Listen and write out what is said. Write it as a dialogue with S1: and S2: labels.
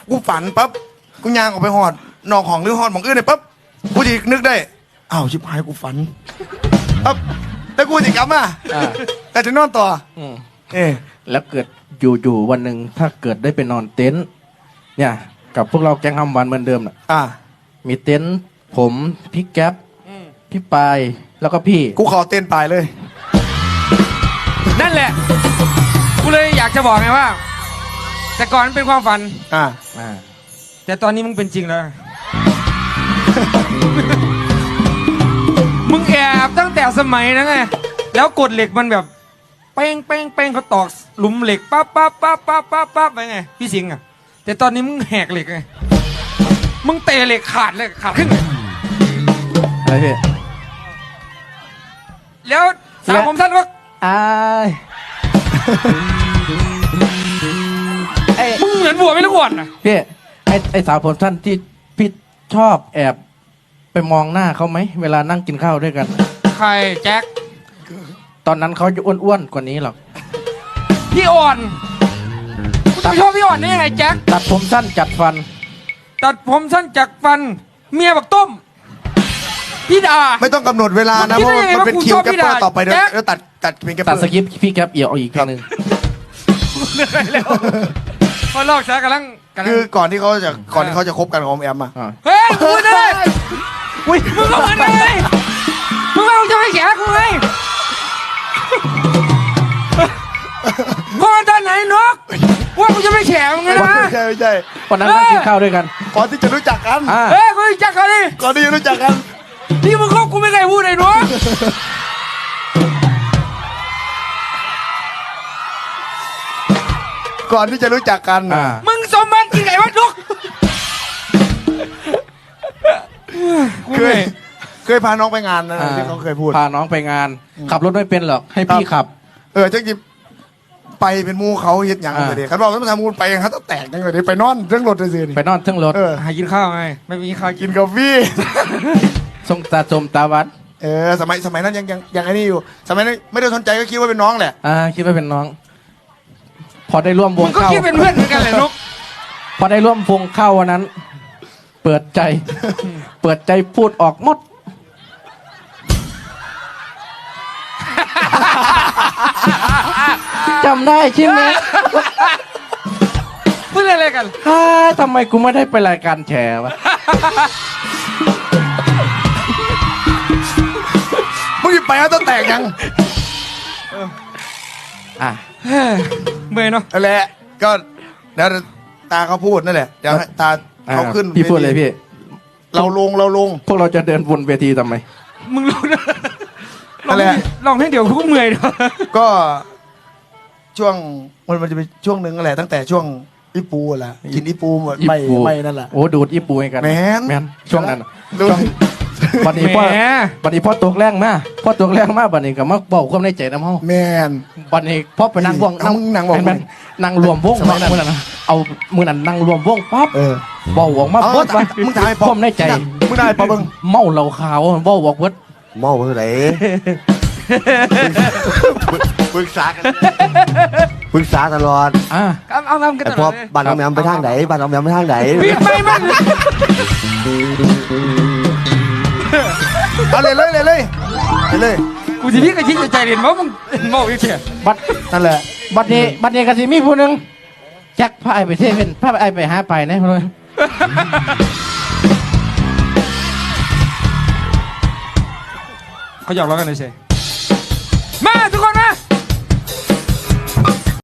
S1: กูฝันปั๊บกูย่างออกไปหอดนอกของหรือหอดหมองอื่นเลยปั๊บกูจะนึกได้อ้าวชิบหายกูฝันปั๊บแล้วกูจะกลับมาแต่จะนอนต่อ
S2: แล้วเกิดอยู่วันหนึ่งถ้าเกิดได้ไปนอนเต็นท์เนี่ยกับพวกเราแก๊งฮัมวันเหมือนเดิมน่ะมีเต็นท์ผมพี่แก๊ปพี่ปายแล้วก็พี่
S1: กูขอเต้นปายเลย
S3: นั่นแหละกูเลยอยากจะบอกไงว่าแต่ก่อนมันเป็นความฝันแต่ตอนนี้มึงเป็นจริงแล้ว มึงแอบตั้งแต่สมัยนั้นไงแล้วกดเหล็กมันแบบเป้งเป้งเป้งเขาตอกหลุมเหล็กปั๊บปั๊บปั๊บปั๊บปั๊บปั๊บไปไงพี่สิงห์อ่ะแต่ตอนนี้มึงแหกเหล็กไงมึงเตะเหล็กขาดเลยขาดขึ้น
S2: อะไรพี่
S3: แล้วสาวผมสั้นก็มึงเหมือนบัวไม่รู้ก่อนนะ
S2: พี่ไอ้สาวผมสั้นที่พี่ชอบแอบไปมองหน้าเขาไหมเวลานั่งกินข้าวด้วยกัน
S3: ใครแจ็ค
S2: ตอนนั้นเขาจะอ้วนๆกว่านี้หรอก
S3: พี่อ่อนคุณชอบพี่อ่อนได้ยังไงแจ็ค
S2: ตัดผมสั้นจัดฟัน
S3: ตัดผมสั้นจัดฟันเมียบักต้มพี่ดา
S1: ไม่ต้องกำหนดเวลานะเพราะมันเป็นคิวแกปเปอร์ต่อไปเดี๋ยวตัดเป็นแกปเปอร์
S2: ตัดสกิปพี่แก๊ปเอี่ยวอีกครั้งนึง
S3: พอลอกซะกำลัง
S1: คือก่อนที่เขาจะคบกันของแอมอ่ะ
S3: เฮ้ยกูเลยมึงก็เหมือนเลยมึงเอาจะไม่แข่กูไงก่อนตอนไหนนกว่ากูจะไม่แข่มึงนะ
S1: ไม่ใช่
S2: ก่อนนั้นนั่งกินข้าวด้วยกัน
S1: ก่อนที่จะรู้จักกัน
S3: เฮ้ยกูรู้จักกันดิ
S1: ก่อนที่จะรู้จักกัน
S3: นี่มึงคบกูไม่เคยพูดเลยนก
S1: ก่อนที่จะรู้จักกัน
S3: มึงสมบัติกี่ไงวะนก
S1: เคยพาน้องไปงานนะที่เขาเคยพูด
S2: พาน้องไปงานขับรถไม่เป็นหรอกให้พี่ขับ
S1: จังจิไปเป็นมูเขาเฮ็ดอย่างเดียวเขาบอกว่าทำมูไปเขาต้องแตกอย่างเดียวไปนอนเรื่องรถเลยสิ
S2: ไปนอนเรื่องรถ
S3: หากินข้าวไงไม่มีข้าว
S1: กินกาแฟ
S2: ส่งตาจมตาวัด
S1: สมัยนั้นยังไอ้นี่อยู่สมัยนั้นไม่ได้สนใจก็คิดว่าเป็นน้องแหละ
S2: คิดว่าเป็นน้องพอได้ร่วมวงเข้า
S3: ก็คิดเป็นเพื่อนเหมือนกันแหละนุ๊ก
S2: พอได้ร่วมวงเข้าวันนั้น เปิดใจพูดออกหมดจำได้ใช่ไหม
S3: พูดอะไรกัน
S2: ทำไมกูไม่ได้ไปรายการแฉวะ
S1: มึงไปแล้วต้องแตกยัง
S3: เมื่อยเนาะ
S1: นั่นแหละก็แล้วตาเขาพูดนั่นแหละเดี๋ยวตาเขาขึ้น
S2: พี่พูดเลยพี่
S1: เราลง
S2: พวกเราจะเดินวนเวทีทำไม
S3: มึงลงนั่นแหละลองให้เดี๋ยวกูก็เมื่อยเนาะ
S1: ก็ช่วงมันจะเป็นช่วงนึงนั่นแหละตั้งแต่ช่วงอีปูแหละกินอีปูไม่นั่นแหละ
S2: โอ้ดูดอีปูให้กัน
S1: แมน
S2: ช่วงนั้นบัดนี้พ่อตัวแรงมาบัดนี้ก็มาบอกความในใจน้ำเฮา
S1: แมน
S2: บัดนี้พ่อไปนั่งวงนั่งรวมวงมือนั้นเอามือนั้นนั่งรวมวงปั๊บบอกวงมาเบิดว่า
S1: มึงถ่าย
S2: ความในใจ
S1: มึงได้ปั๊บมึง
S2: เมาเหล้าขาวบอกเบิด
S1: เมาเมื่อไหร่ปรึกษาตลอด
S3: เอาทำกันตลอด
S1: บ้านน้องแมวไปทางไหนเอาเลย
S3: กูจะพี่กระชิดใจเรียนว่ามึงเมาอีกเชี่ย
S2: บัดนั่นแหละบัดนี้กันสิมีผู้หนึ่งจักพาไอไปเทเป็นพาไอไปหาไปนะเลย
S3: เขาหยอกล้อกันเลยใช่